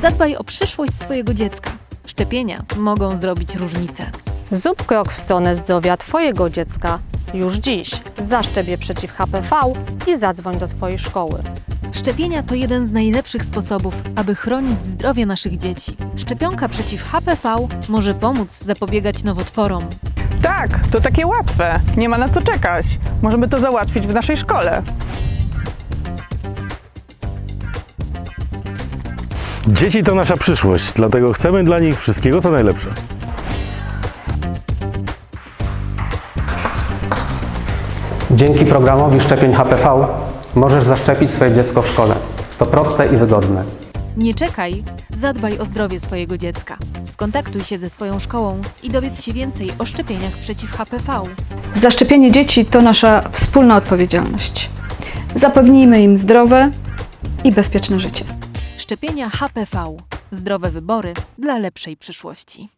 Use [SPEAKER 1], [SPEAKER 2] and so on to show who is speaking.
[SPEAKER 1] Zadbaj o przyszłość swojego dziecka. Szczepienia mogą zrobić różnicę.
[SPEAKER 2] Zrób krok w stronę zdrowia Twojego dziecka już dziś. Zaszczep je przeciw HPV i zadzwoń do Twojej szkoły.
[SPEAKER 1] Szczepienia to jeden z najlepszych sposobów, aby chronić zdrowie naszych dzieci. Szczepionka przeciw HPV może pomóc zapobiegać nowotworom.
[SPEAKER 3] Tak, to takie łatwe. Nie ma na co czekać. Możemy to załatwić w naszej szkole.
[SPEAKER 4] Dzieci to nasza przyszłość, dlatego chcemy dla nich wszystkiego co najlepsze.
[SPEAKER 5] Dzięki programowi szczepień HPV możesz zaszczepić swoje dziecko w szkole. To proste i wygodne.
[SPEAKER 1] Nie czekaj, zadbaj o zdrowie swojego dziecka. Skontaktuj się ze swoją szkołą i dowiedz się więcej o szczepieniach przeciw HPV.
[SPEAKER 6] Zaszczepienie dzieci to nasza wspólna odpowiedzialność. Zapewnijmy im zdrowe i bezpieczne życie.
[SPEAKER 1] Szczepienia HPV. Zdrowe wybory dla lepszej przyszłości.